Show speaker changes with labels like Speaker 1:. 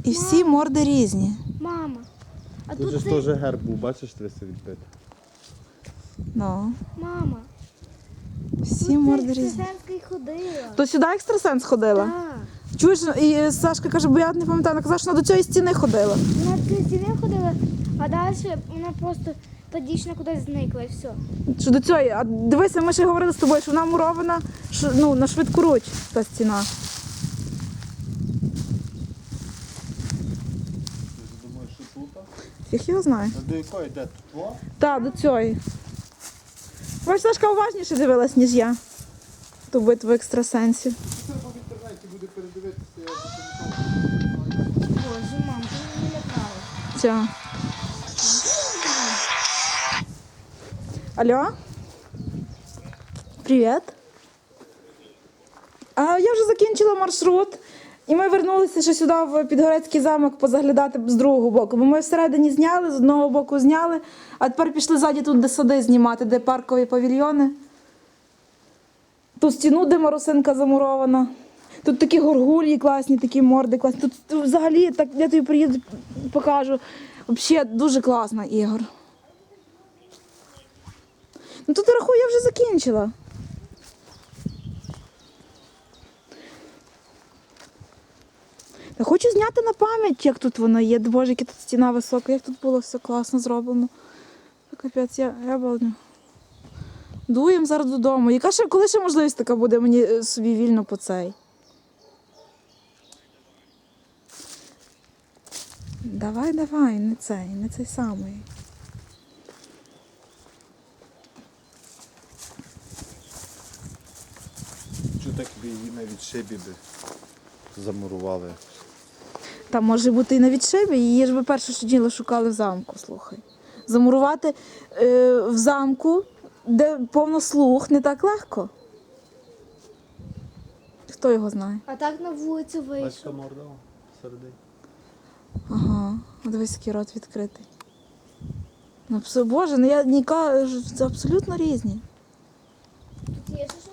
Speaker 1: І всі морди різні.
Speaker 2: Мама. А
Speaker 3: Тут же ж теж герб був, бачиш, 300 відбити.
Speaker 1: Ну,
Speaker 2: Мама.
Speaker 1: всі морди різні.
Speaker 2: Екстрасенська ходила.
Speaker 1: То сюди екстрасенс ходила?
Speaker 2: Так.
Speaker 1: Чуєш, і Сашка каже, бо я не пам'ятаю, вона казала, що вона до цієї стіни ходила.
Speaker 2: Вона до стіни ходила, а далі вона просто та дівчина кудись зникла і все.
Speaker 1: Що до цієї, а дивися, ми ще говорили з тобою, що вона мурована на швидкоруч, та стіна.
Speaker 3: Ти думаєш, що тут?
Speaker 1: Фіг його знає.
Speaker 3: А до якої йде? Тут?
Speaker 1: Так, до цієї. Бач, Сашка уважніше дивилась, ніж я. Ту битву екстрасенсів.
Speaker 3: Це в інтернеті буде передивитися.
Speaker 2: Боже, мам, ти мене лякала.
Speaker 1: Ця. Алло? Привіт. Я вже закінчила маршрут. І ми вернулися ще сюди в Підгорецький замок позаглядати з другого боку. Бо ми всередині зняли, з одного боку зняли, а тепер пішли ззаді тут, де сади знімати, де паркові павільйони. Ту стіну, де Марусинка замурована. Тут такі горгулі класні, такі морди класні. Тут взагалі, так, я тобі приїду, покажу. Взагалі дуже класна, Ігор. Ну тут, рахую, я вже закінчила. Та хочу зняти на пам'ять, як тут воно є. Боже, яка тут стіна висока, як тут було все класно зроблено. Капець, я балдю. Дуємо зараз додому. Коли ще можливість така буде мені собі вільно по цей? Давай, не цей самий.
Speaker 3: Що так її навіть шибі би замурували?
Speaker 1: Там може бути і на відшибі, її ж ви перше що діло шукали в замку, слухай. Замурувати в замку, де повно слуг, не так легко. Хто його знає?
Speaker 2: А так на вулицю
Speaker 3: Бачка
Speaker 2: вийшов.
Speaker 3: морда всередині.
Speaker 1: Ага, дивись, який рот відкритий. Ну, Боже, ну я ніка, це абсолютно різні.
Speaker 2: Тут є ще